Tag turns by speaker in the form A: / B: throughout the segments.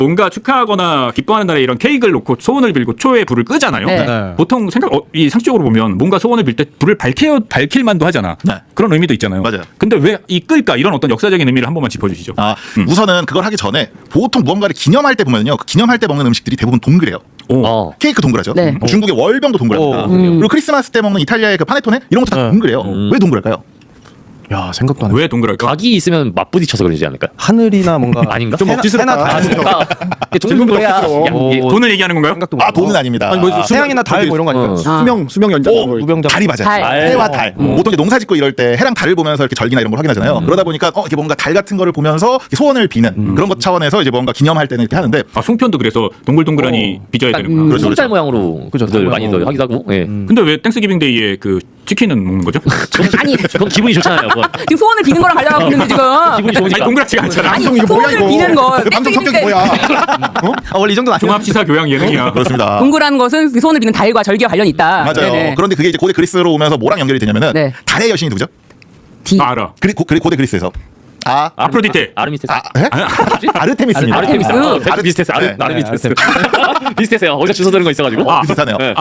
A: 뭔가 축하하거나 기뻐하는 날에 이런 케이크를 놓고 소원을 빌고 초에 불을 끄잖아요.
B: 네.
C: 네.
A: 보통 이 상식적으로 보면 뭔가 소원을 빌 때 불을 밝힐 만도 하잖아.
D: 네.
A: 그런 의미도 있잖아요.
D: 맞아요.
A: 근데 왜 이 끌까 이런 어떤 역사적인 의미를 한 번만 짚어주시죠.
D: 우선은 그걸 하기 전에 보통 무언가를 기념할 때 보면요. 그 기념할 때 먹는 음식들이 대부분 동그래요.
A: 오.
D: 케이크 동그라죠.
B: 네.
D: 중국의 월병도 동그랍니다. 그리고 크리스마스 때 먹는 이탈리아의 그 파네토네 이런 것도 다 동그래요. 왜 동그랄까요?
C: 야, 생각도 안 해.
A: 왜 동그랄까?
E: 각이 있으면 맞부딪혀서 그러지 않을까요?
C: 하늘이나 뭔가
E: 아닌가?
C: 좀 억지스럽다.
E: 동물이야.
A: 돈을 얘기하는 건가요?
C: 생각도 못
D: 아, 돈은 아닙니다.
C: 아니, 뭐 태양이나 달 뭐 이런 거 아닐까요?
F: 수명 연장
C: 무병장.
D: 달이 맞아요.
B: 달.
D: 해와 달. 보통 이제 농사 짓고 이럴 때 해랑 달을 보면서 이렇게 절기나 이런 걸 확인하잖아요. 그러다 보니까 이게 뭔가 달 같은 거를 보면서 소원을 비는 그런 것 차원에서 이제 뭔가 기념할 때는 이렇게 하는데
A: 송편도 그래서 동글동글하니 빚어야 되는구나.
D: 그렇죠,
E: 손달
D: 그렇죠.
E: 모양으로
C: 그죠,
E: 들
C: 달
E: 많이들
C: 모양으로.
E: 하기도 하고. 예.
A: 근데 왜 땡스기빙데이에 그 치킨은 먹는 거죠?
B: 아니
E: 그건 기분이 좋잖아요. 그건.
B: 지금 소원을 비는 거랑 가려고 있는데 지금.
E: 기분이 좋으니까.
A: 아니 동그랗지가 않잖아.
B: 아니
F: 방송 이거 뭐야
B: 소원을
F: 이거?
B: 비는 거.
F: 그 방송 성격이 뭐야?
C: 원래 이 정도는 아니야.
A: 종합시사 교양 예능이야.
D: 그렇습니다.
B: 동그란 것은 그 소원을 비는 달과 절기와 관련이 있다.
D: 맞아요.
B: 네네.
D: 그런데 그게 이제 고대 그리스로 오면서 뭐랑 연결이 되냐면은
B: 네.
D: 달의 여신이 누구죠?
B: D.
A: 알아.
D: 고대 그리스에서
A: 아프로디테.
E: 아르미스테스.
D: 예? 아르테미스입니다.
E: 아르테미스.
D: 아르-
E: 비슷했어요.
D: 네.
E: 아르미스테스. 비슷했어요. 어디서 주워 들은 거 있어가지고.
D: 비슷하네요.
E: 네.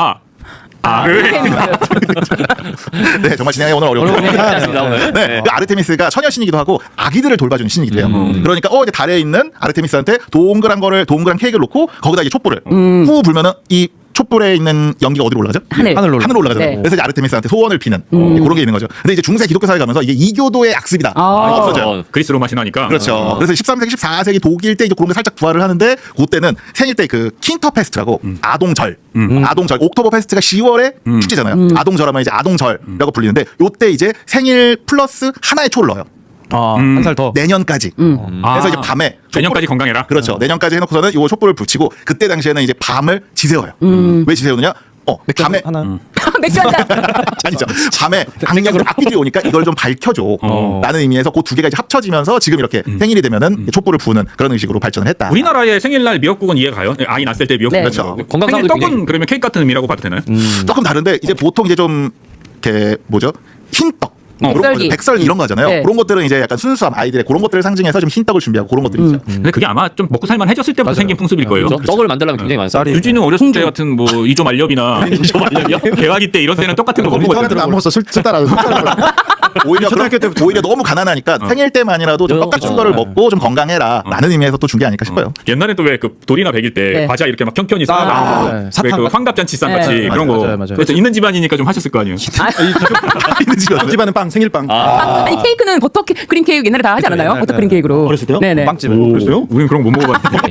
D: 네, 정말 진행이 오늘 어려워요.
E: 비슷했습니다, 오늘.
D: 네, 그 아르테미스가 처녀신이기도 하고 아기들을 돌봐주는 신이기도 해요. 그러니까 이제 달에 있는 아르테미스한테 동그란 케이크를 놓고 거기다 이제 촛불을 후 불면은 이 촛불에 있는 연기가 어디로 올라가죠?
B: 하늘로
D: 올라가잖아요.
B: 네.
D: 그래서 이제 아르테미스한테 소원을 비는 그런 게 있는 거죠. 근데 이제 중세 기독교 사회 가면서 이게 이교도의 악습이다. 없어져요.
A: 그리스 로마 신화니까.
D: 그렇죠. 그래서 13세기, 14세기 독일 때 이제 그런 게 살짝 부활을 하는데 그때는 생일 때 그 킨터페스트라고 아동절, 옥토버 페스트가 10월에 축제잖아요. 아동절하면 이제 아동절이라고 불리는데 요때 이제 생일 플러스 하나의 초를 넣어요.
C: 한 살 더.
D: 내년까지. 그래서 이제 밤에
A: 내년까지 건강해라.
D: 그렇죠. 내년까지 해놓고서는 요 촛불을 붙이고 그때 당시에는 이제 밤을 지새워요. 왜 지새우느냐? 밤에
C: 하나.
B: 맥주 한 잔.
D: 아니죠. 밤에 악기들이 오니까 이걸 좀 밝혀줘. 라는 의미에서 그 두 개가 이제 합쳐지면서 지금 이렇게 생일이 되면은 촛불을 부는 그런 의식으로 발전을 했다.
A: 우리나라의 생일날 미역국은 이해가요? 아이 낳았을 때 미역국.
B: 네.
D: 그렇죠.
E: 건강
A: 생일
E: 상황도
A: 떡은
E: 굉장히-
A: 그러면 케이크 같은 의미라고 봐도 되나요?
D: 조금 다른데 이제 보통 이제 좀 이렇게 뭐죠? 흰떡. 그런
B: 백설기.
D: 거, 백설 이런 거 하잖아요.
B: 네.
D: 그런 것들은 이제 약간 순수함 아이들의 그런 것들을 상징해서 좀 흰떡을 준비하고 그런 것들이죠.
A: 근데 그게 아마 좀 먹고 살만 해졌을 때부터 생긴 풍습일 거예요.
E: 그렇죠? 떡을 만들려면 굉장히 많아요.
C: 쌀이.
A: 유진은 어렸을 때 같은 뭐 이조 말렵이나 개화기 때 이런 때는 똑같은 거
F: 우리
A: 먹고
F: 사람들은 안 먹었어. 술 따라.
D: 오히려 너무 가난하니까 생일 때만이라도 좀 떡 같은 거를 먹고 좀 건강해라 라는 의미에서 또 준 게 아닐까 싶어요.
A: 옛날에 또 왜 그 돌이나 100일 때
B: 네.
A: 과자 이렇게 막 평평히
C: 네.
A: 쌓아놔.
C: 사탕
A: 왜그
C: 같은
A: 환갑잔치상
B: 네.
A: 같이 그런 거.
C: 맞아요.
A: 그래서 있는 집안이니까 좀 하셨을 거 아니에요.
F: 집안은 빵, 생일빵.
B: 아니 케이크는 버터 크림 케이크 옛날에 다 하지 않았나요? 버터 크림 케이크로.
F: 어렸을 때요?
B: 네네.
C: 빵집에.
F: 그랬어요?
A: 우리는 그런 거 못 먹어봤는데.